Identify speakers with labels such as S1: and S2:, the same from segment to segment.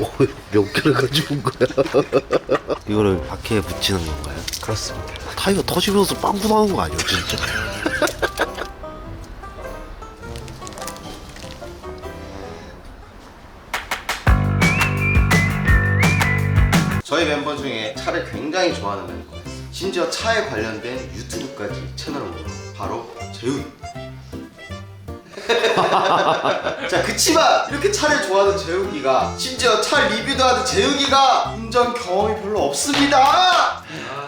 S1: 몇 개를 가지고 온 거야? 이거를 바퀴에 붙이는 건가요?
S2: 그렇습니다.
S1: 타이어 터지면서 빵꾸 나는 거 아니야 진짜?
S3: 저희 멤버 중에 차를 굉장히 좋아하는 멤버가 있어요. 심지어 차에 관련된 유튜브까지 채널을 운영. 바로 재훈. 자, 그치만 이렇게 차를 좋아하는 재욱이가 심지어 차 리뷰도 하는 재욱이가 운전 경험이 별로 없습니다.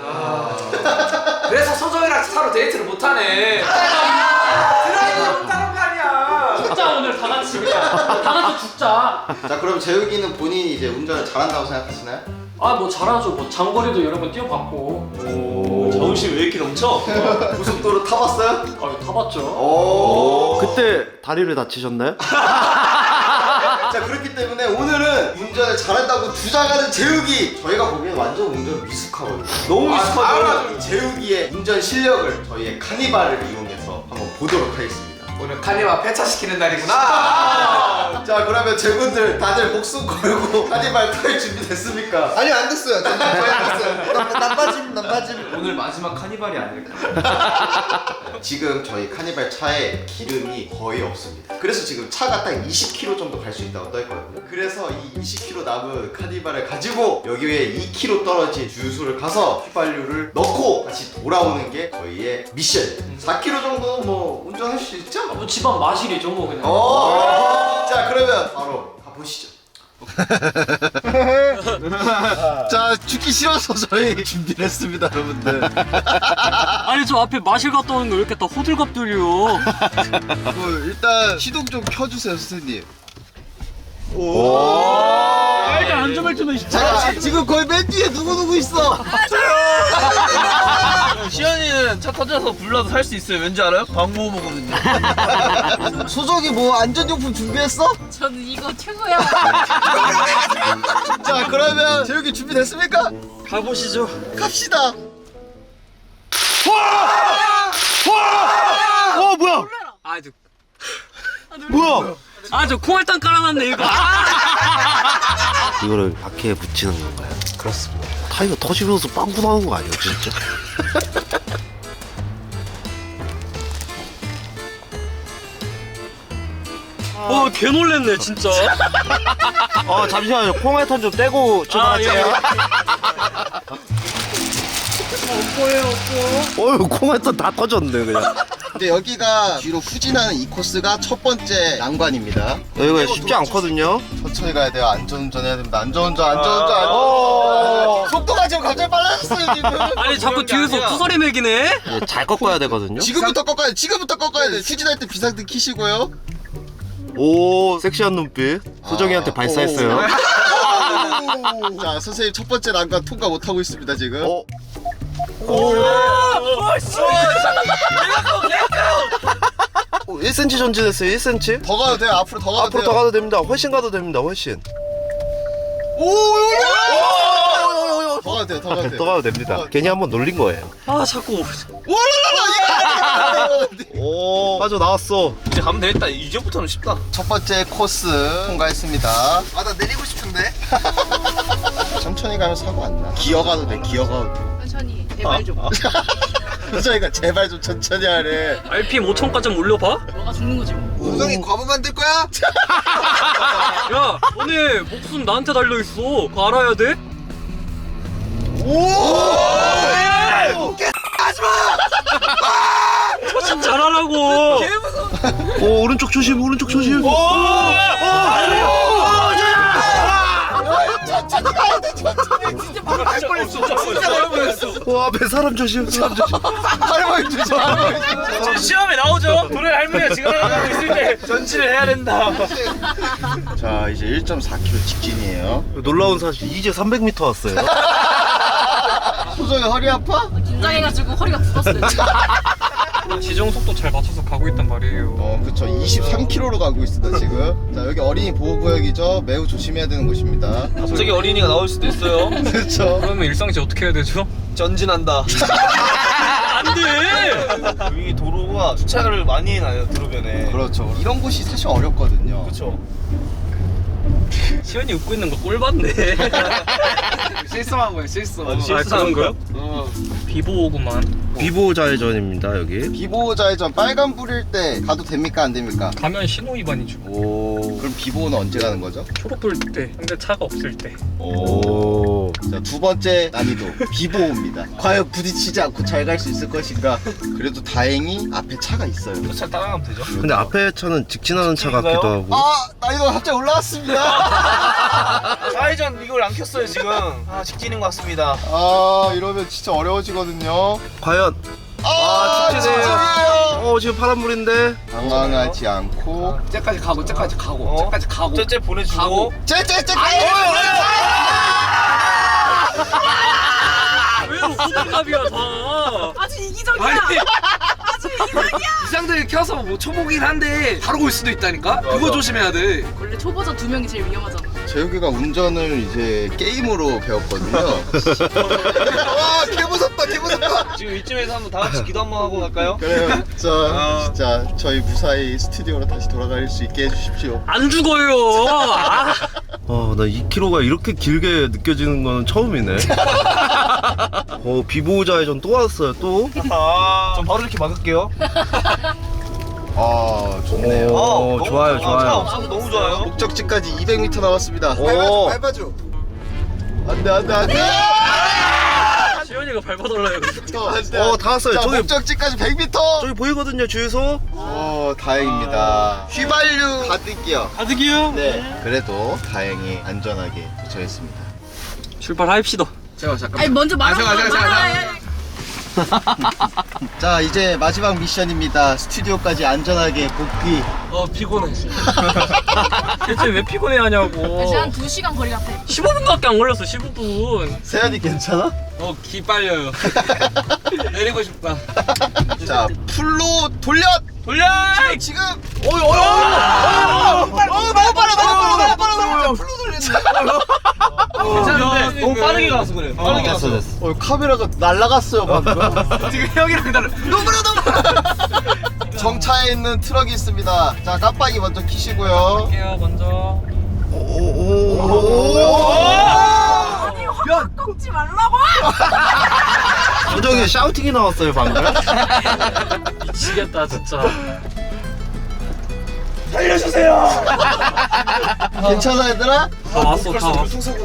S2: 그래서 소정이랑 차로 데이트를 못하네. 드라이브 못하는 거 아니야.
S4: 죽자 오늘 다 같이 그냥 다 같이 죽자.
S3: 자, 그럼 재욱이는 본인이 이제 운전을 잘한다고 생각하시나요?
S4: 아 뭐 잘하죠. 뭐 장거리도 여러 번 뛰어봤고.
S5: 자부심 왜 이렇게 넘쳐?
S3: 고속도로 타봤어요?
S4: 아 타봤죠.
S3: 오.
S1: 그때 다리를 다치셨나요?
S3: 자, 그렇기 때문에 오늘은 운전을 잘한다고 주장하는 재욱이, 저희가 보기엔 완전 운전 미숙하거든요. 너무 미숙하죠. 재욱이의 운전 실력을 저희의 카니발을 이용해서 한번 보도록 하겠습니다.
S2: 오늘 카니발 폐차시키는 날이구나.
S3: 자, 그러면 제분들 다들 목숨 걸고 카니발 탈 준비 됐습니까?
S6: 아니요, 안 됐어요. 저희 안 됐어요. 난 빠짐.
S5: 오늘 마지막 카니발이 아닐까?
S3: 지금 저희 카니발 차에 기름이 거의 없습니다. 그래서 지금 차가 딱 20km 정도 갈 수 있다고 떠있거든요. 그래서 이 20km 남은 카니발을 가지고 여기에 2km 떨어진 주유소를 가서 휘발유를 넣고 다시 돌아오는 게 저희의 미션. 4km 정도 뭐 운전할 수 있죠?
S4: 뭐 집안 마실이죠 뭐 그냥.
S3: 자, 그러면 바로 가보시죠. 자, 죽기 싫어서 저희 준비를 했습니다, 여러분들.
S4: 아니 저 앞에 마실 갔다 오는 거 왜 이렇게 다 호들갑들이요.
S6: 일단 시동 좀 켜주세요, 선생님.
S4: 일단 안전벨트는
S6: 자, 지금 거의 맨 뒤에 누구 있어?
S5: 시현이는 차 터져서 불러도 살 수 있어요. 왠지 알아요? 광고 먹으면요.
S6: 소정이 뭐 안전용품 준비했어?
S7: 저는 이거 최고야.
S6: 자, 그러면 재욱이 준비됐습니까?
S4: 가보시죠.
S6: 갑시다.
S1: 뭐야?
S4: 아저
S1: 뭐야?
S4: 아저 콩알탕 깔아놨네 이거.
S1: 이거를 바퀴에 붙이는 건가요?
S3: 그렇습니다.
S1: 타이어 터지면서 빵꾸 나는 거 아니야 진짜?
S4: 개 놀랬네 진짜.
S1: 잠시만요. 콩알탄 좀 떼고 출발할게요. 어휴, 콩알탄 다 터졌네 그냥.
S6: 근데 여기가 뒤로 후진하는 이 코스가 첫 번째 난관입니다.
S1: 여기가 쉽지 않거든요.
S6: 천천히 가야 돼요. 안전운전 해야 됩니다. 안전운전. 속도가 지금 갑자기 빨라졌어요, 지금.
S4: 아니 자꾸 뒤에서 투서리 매기네.
S1: 잘 꺾어야 되거든요.
S6: 지금부터 꺾어야 돼. 후진할 때 비상등 켜시고요.
S1: 오, 섹시한 눈빛. 소정이한테 발사했어요.
S6: 자, 선생님 첫 번째 난관 통과 못하고 있습니다, 지금.
S1: 1cm 전진했어요. 1cm.
S6: 더 가도 돼요. 앞으로 더 가도
S1: 앞으로
S6: 돼요.
S1: 더 가도 됩니다. 훨씬 가도 됩니다. 훨씬.
S6: 더 가도 돼요. 더 가도 돼요.
S1: 더 가도 됩니다. 괜히 한번 놀린 거예요.
S4: 아 자꾸.
S1: 오, 빠져 나왔어.
S5: 이제 가면 되겠다. 이제부터는 쉽다.
S6: 첫 번째 코스 통과했습니다. 아, 나 내리고 싶은데. 천천히 가면 사고 안 나. 기어가도 돼. 기어가도 돼.
S7: 천천히 제발 좀.
S6: 저희가 제발 좀 천천히 하래.
S4: RPM 5천까지 올려봐.
S7: 너가 죽는 거지 뭐.
S6: 우성이 과부 만들 거야?
S4: 야 너네 목숨 나한테 달려있어. 그거 알아야 돼? 조심 잘하라고.
S1: 오, 오른쪽 조심. 오른쪽 조심. 앞에 사람 조심. 사람 조심.
S6: 할머니 주지. 할머니 주지.
S5: 시험에 나오죠. 도래 할머니가 지금 하고 있을 때 전진을 해야 된다.
S6: 자, 이제 1.4km 직진이에요.
S1: 놀라운 사실 이제 300m 왔어요.
S6: 소정이 허리 아파?
S7: 긴장해가지고 허리가 굳었어요.
S4: 지정 속도 잘 맞춰서 가고 있단 말이에요.
S6: 그쵸. 23km로 가고 있습니다, 지금. 자, 여기 어린이 보호구역이죠. 매우 조심해야 되는 곳입니다.
S5: 갑자기 어린이가 나올 수도 있어요.
S6: 그쵸.
S4: 그러면 일상시 어떻게 해야 되죠?
S5: 전진한다.
S4: 안돼.
S5: 여기 도로가 주차를 많이 해놔요. 도로변에.
S6: 그렇죠. 이런 곳이 사실 어렵거든요.
S5: 그렇죠.
S4: 시현이 웃고 있는 거 꼴 봤네.
S5: 실수한 거야 실수.
S4: 실수한 거요? 비보구만.
S1: 비보 좌회전입니다 여기.
S6: 비보 좌회전 빨간 불일 때 가도 됩니까 안 됩니까?
S4: 가면 신호 위반이죠.
S1: 오.
S6: 그럼 비보는 언제 가는 거죠?
S4: 초록불 때, 근데 차가 없을 때.
S1: 오.
S6: 자, 두 번째 난이도 비보입니다. 과연 부딪히지 않고 잘 갈 수 있을 것인가? 그래도 다행히 앞에 차가 있어요.
S5: 차 따라가면 되죠.
S1: 근데 앞에 차는 직진하는 차 같기도 하고.
S6: 아, 난이도가 갑자기 올라왔습니다.
S5: 좌회전 이걸 안 켰어요 지금. 아 직진인 것 같습니다.
S6: 아, 이러면 진짜 어려워지거든요.
S1: 과연.
S6: 아,
S1: 직진이에요. 지금 파란불인데.
S6: 당황하지 않고
S2: 쟤까지 가고 쟤까지 가고 쟤까지 가고
S5: 쟤 보내주고.
S6: 쟤
S4: 왜 호들갑이야 다.
S7: 아주 이기적이야.
S2: 아니
S7: 아주 이기적이야.
S2: 이상들이 켜서 뭐 초보긴 한데 바로 올 수도 있다니까. 그거 조심해야 돼.
S7: 원래 초보자 2명이 제일 위험하잖아.
S6: 재욱이가 운전을 이제 게임으로 배웠거든요. 와, 개 무섭다.
S5: 지금 이쯤에서 한번 다 같이 기도 한번 하고 갈까요?
S6: 그래요. 진짜 저희 무사히 스튜디오로 다시 돌아갈 수 있게 해주십시오.
S4: 안 죽어요. 아.
S1: 나 2km가 이렇게 길게 느껴지는 건 처음이네. 비보 좌회전 또 왔어요 또.
S5: 전 바로 이렇게 막을게요.
S6: 아, 좋네요.
S1: 오, 좋아요,
S5: 차
S1: 좋아요.
S5: 없어서 너무 좋아요.
S6: 목적지까지 200m 남았습니다.
S1: 오.
S6: 밟아줘. 안돼.
S4: 시현이가 밟아달라요.
S1: 다 왔어요.
S6: 자,
S1: 저기
S6: 목적지까지 100m.
S1: 저기 보이거든요 주유소.
S6: 다행입니다. 휘발유 가득이요.
S4: 가득이요?
S6: 네. 그래도 다행히 안전하게 도착했습니다.
S4: 출발합시다.
S2: 잠깐.
S7: 아니 먼저 말하고
S2: 잠깐.
S6: 자, 이제 마지막 미션입니다. 스튜디오까지 안전하게 복귀.
S2: 피곤해.
S4: 대체 왜 피곤해하냐고.
S7: 다시 한 2시간 거리 같아.
S4: 15분밖에 안 걸렸어. 15분.
S6: 세연이 괜찮아?
S2: 기 빨려요. 내리고 싶다.
S6: 자, 풀로 돌려. 지금. 너무 빨라. 풀로 돌렸네.
S5: 괜찮은데 너무 빠르게 가서 그래. 빠르게 가서.
S1: 됐어.
S6: 카메라가 날라갔어요 방금.
S2: 지금 형이랑 나를
S6: 너무 정차에 있는 트럭이 있습니다. 자, 깜빡이 먼저 키시고요.
S4: 할게요 먼저.
S7: 아니 확 꺾지 말라고.
S1: 표정에 샤우팅이 나왔어요 방금.
S4: 미치겠다 진짜.
S6: 괜찮아 얘들아?
S4: 다 왔어 다 왔어.
S7: 진짜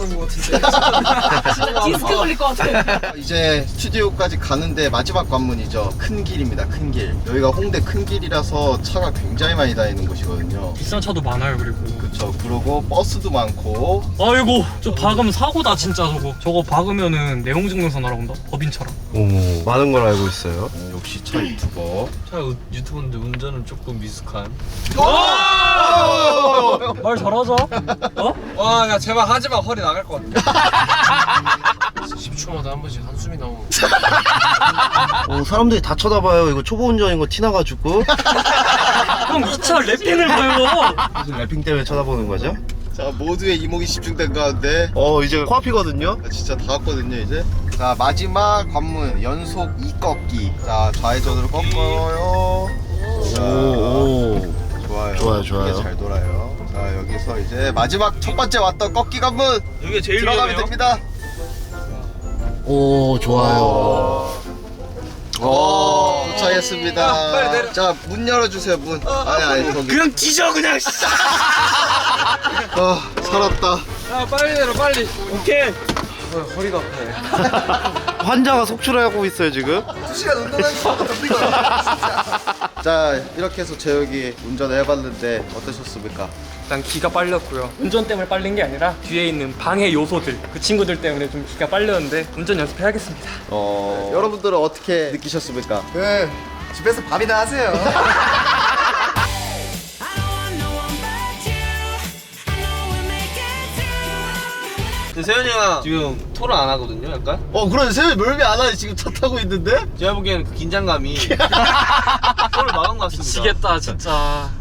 S7: 디스크 걸릴 것 같아.
S6: 이제 스튜디오까지 가는데 마지막 관문이죠. 큰 길입니다. 큰 길. 여기가 홍대 큰 길이라서 차가 굉장히 많이 다니는 곳이거든요.
S4: 비싼 차도 많아요 그리고.
S6: 그쵸. 그리고 버스도 많고.
S4: 아이고 저 박으면 사고다 진짜 저거. 저거 박으면은 내용증명서 날아온다. 법인차랑.
S1: 많은 걸 알고 있어요.
S6: 역시 차 유튜버.
S5: 차 유튜브인데 운전은 조금 미숙한.
S4: 말 잘하자. 어?
S2: 와, 야 제발 하지 마. 허리 나갈 것 같아. 10초마다 한 번씩 한숨이 나오고.
S1: 사람들이 다 쳐다봐요. 이거 초보 운전인 거 티나가지고.
S4: 형 이 차 랩핑을 봐요.
S1: 무슨 랩핑 때문에 쳐다보는 거죠?
S6: 자, 모두의 이목이 집중된 가운데
S1: 이제 코앞이거든요.
S6: 진짜 다 왔거든요 이제. 자, 마지막 관문 연속 2꺾기. 자, 좌회전으로 꺾어요. 자, 좋아요.
S1: 좋아요.
S6: 이게 잘 돌아요. 자, 여기서 이제 마지막 첫 번째 왔던 꺾기 관문
S5: 여기가 제일
S6: 들어가면
S5: 위험해요.
S6: 됩니다.
S1: 좋아요.
S6: 도착했습니다.
S2: 빨리 내려.
S6: 자, 문 열어주세요 문. 아니 거기.
S5: 그냥 뒤져 그냥.
S6: 살았다.
S2: 야 빨리 내려 빨리.
S5: 오케이.
S2: 허리가 아파요.
S1: 환자가 속출하고 있어요 지금.
S6: 2시간 운전하니까 자, 이렇게 해서 재혁이 운전을 해봤는데 어떠셨습니까?
S4: 일단 기가 빨렸고요. 운전 때문에 빨린 게 아니라 뒤에 있는 방해 요소들 그 친구들 때문에 좀 기가 빨렸는데 운전 연습해야겠습니다.
S6: 여러분들은 어떻게 느끼셨습니까? 집에서 밥이나 하세요.
S5: 근데 세현이가 지금 토를 안 하거든요, 약간.
S6: 그래, 세연이 멀미 안 하니 지금 차 타고 있는데?
S5: 제가 보기에는 그 긴장감이 토를 막은 것 같습니다.
S4: 미치겠다 진짜.